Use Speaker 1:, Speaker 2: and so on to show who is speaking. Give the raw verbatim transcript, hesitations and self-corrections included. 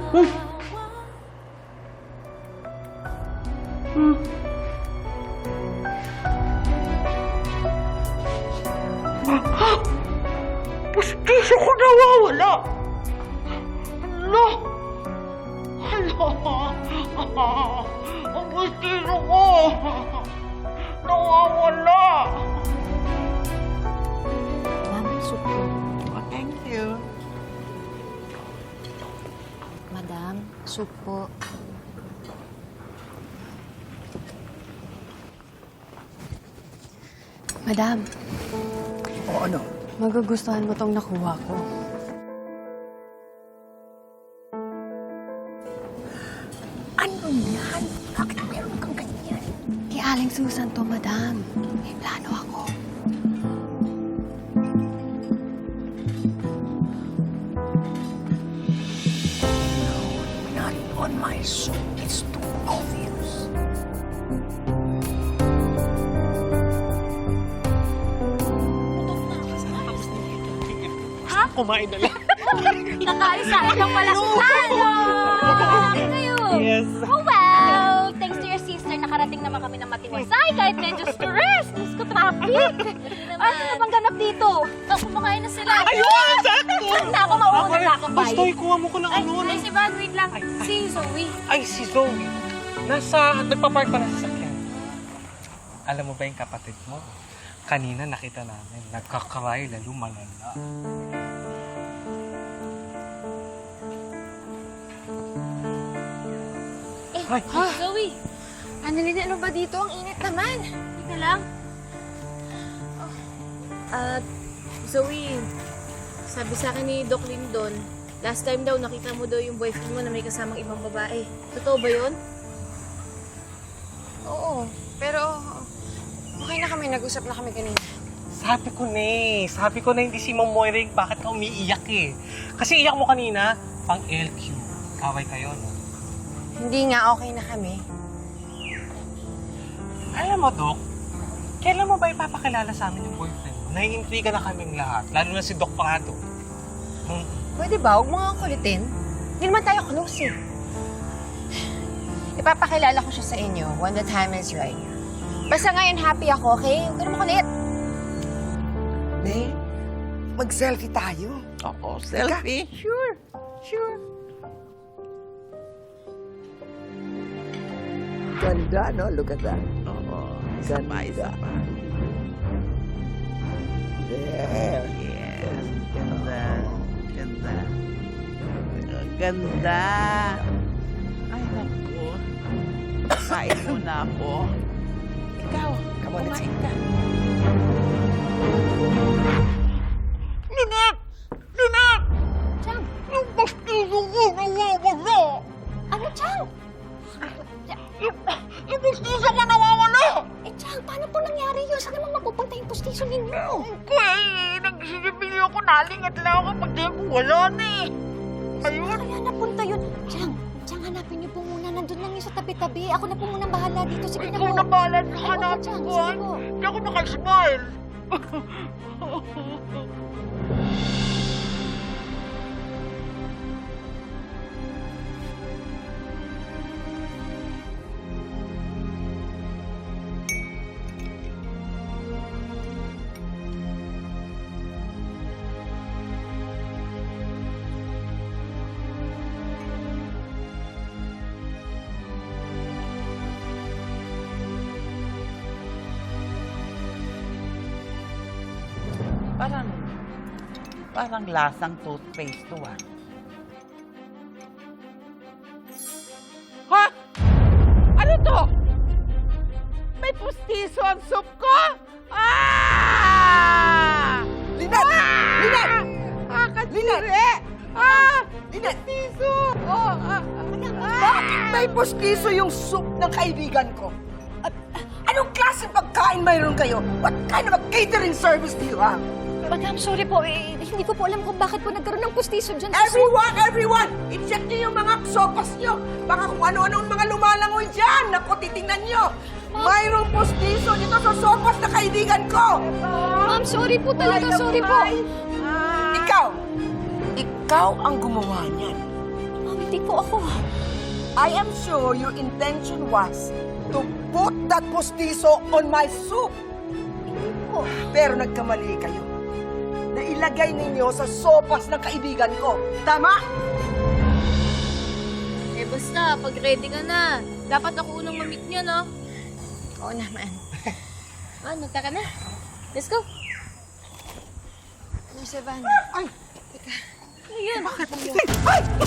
Speaker 1: Hmm. Hmm. Ah! Pustiso ko nawawala! Hala! Hala! Ah, ang pustiso ko! Nawawala!
Speaker 2: Ma'am, supo.
Speaker 1: Oh, thank you.
Speaker 2: Madam, supo. Madam,
Speaker 1: O ano?
Speaker 2: magugustuhan mo tong nakuha ko.
Speaker 1: Ano yan? Bakit meron kang ganyan?
Speaker 2: Kay Aling Susan to, madam. May plano ako.
Speaker 1: Not on my soul. It's too obvious.
Speaker 3: Ha? Kumain na lang.
Speaker 4: Nakaisain lang pala. Hello! Kayo?
Speaker 3: Yes.
Speaker 4: Oh, well, thanks to your sister, nakarating naman kami ng matiwasay kahit medyo stress. Diyos ko, traffic. Ano na bang ganap dito? Oh, kumakain na sila.
Speaker 3: Ayun! Sakto!
Speaker 4: Na ako, mauuna na ako, bye.
Speaker 3: Basta ikuha mo ko ng
Speaker 4: Ay,
Speaker 3: ano.
Speaker 4: ay, si Van, wait lang.
Speaker 3: Ay,
Speaker 4: Si Zoe.
Speaker 3: Ay, si Zoe. Nasa, nagpa-park pa na sa sakyan. Alam mo ba yung kapatid mo? Kanina nakita namin, nagkakaray lalo malala.
Speaker 4: Eh,
Speaker 3: Ay,
Speaker 4: Zoe.
Speaker 2: Annalyn, ano ba dito? Ang init naman.
Speaker 4: Hindi na lang.
Speaker 5: At, Zoe, sabi sa akin ni Doc Lindon, last time daw nakita mo daw yung boyfriend mo na may kasamang ibang babae. Totoo ba yun?
Speaker 2: Oo, pero okay na kami. Nag-usap na kami kanina.
Speaker 3: sabi ko na eh. Sabi ko na hindi si Ma'am Moiring, bakit ka umiiyak eh? Kasi iyak mo kanina, pang L Q. Kaway kayo, no?
Speaker 2: Hindi nga, okay na kami.
Speaker 3: Alam mo, Doc, kailan mo ba ipapakilala sa amin yung boyfriend mo? Naiintriga na kaming lahat, lalo na si Doc Prado. Hmm.
Speaker 2: Pwede ba? Huwag mo nga kulitin. Hindi naman tayo close eh. Ipapakilala ko siya sa inyo when the time is right. Basta ngayon happy ako, okay? Huwag ka naman kulit.
Speaker 1: May, mag-selfie tayo. Oo, selfie. Sure, sure. Ganda, no? Look at that. Oo, ganda. Isa pa. There. Yes. Ganda. Ganda. Ganda. Ay, naku. Kain muna ako. Ikaw, kumain ka. Lynette! Lynette!
Speaker 4: Chang,
Speaker 1: Yung bastizo ko nawawala!
Speaker 4: ano, Chang?
Speaker 1: Yung, yung bastizo ko nawawala!
Speaker 4: Eh, Chang, paano po nangyari yun? Saan naman mapupunta yung pustiso ninyo?
Speaker 1: Okay, nagsisipili ako, nalingat lang ako pag di ako wala na eh. Ayun.
Speaker 4: Kaya napunta yun. Chang, Chang, hanapin niyo po muna. Nandun lang yun sa tabi-tabi. Ako na po muna bahala dito. Sige na po.
Speaker 1: Ikaw na bahala sa
Speaker 4: Ay, opo,
Speaker 1: hanapin
Speaker 4: Chang.
Speaker 1: ko.
Speaker 4: Sige po.
Speaker 1: Hindi ako makasmile.
Speaker 6: Parang, parang lasang toothpaste to ah. Ha? Ano to? May pustiso ang soup ko? Ah!
Speaker 1: Lynette! Lynette!
Speaker 6: Ah, kasire! Ah! Pustiso! Oh, ah, ah,
Speaker 1: Bakit may postiso yung soup ng kaibigan ko? At anong klase pagkain mayroon kayo? What kind of a catering service do you have?
Speaker 4: Madam, sorry po. Eh, hindi ko po alam kung bakit po nagkaroon ng pustiso dyan.
Speaker 1: Everyone, everyone! I-check niyo yung mga sopas niyo. Baka kung ano-ano ang mga lumalangoy dyan. Naku, titingnan niyo. Mayroong postiso dito sa sopas na kaibigan ko.
Speaker 4: Ma'am, sorry po talaga. Sorry po.
Speaker 1: Ikaw, ikaw ang gumawa niyan.
Speaker 4: Ma'am, Hindi po ako.
Speaker 1: I am sure your intention was to put that postizo on my soup.
Speaker 4: Hindi po.
Speaker 1: Pero nagkamali kayo. Nailagay ninyo sa sopas ng kaibigan ko. Tama?
Speaker 5: Eh basta, pag ready ka na, dapat ako unang mamit niya, no?
Speaker 2: Oo naman.
Speaker 5: Ah, nagta ka na. Let's go.
Speaker 2: Ano, Savannah?
Speaker 1: Ay!
Speaker 5: Ayun.
Speaker 1: Ay!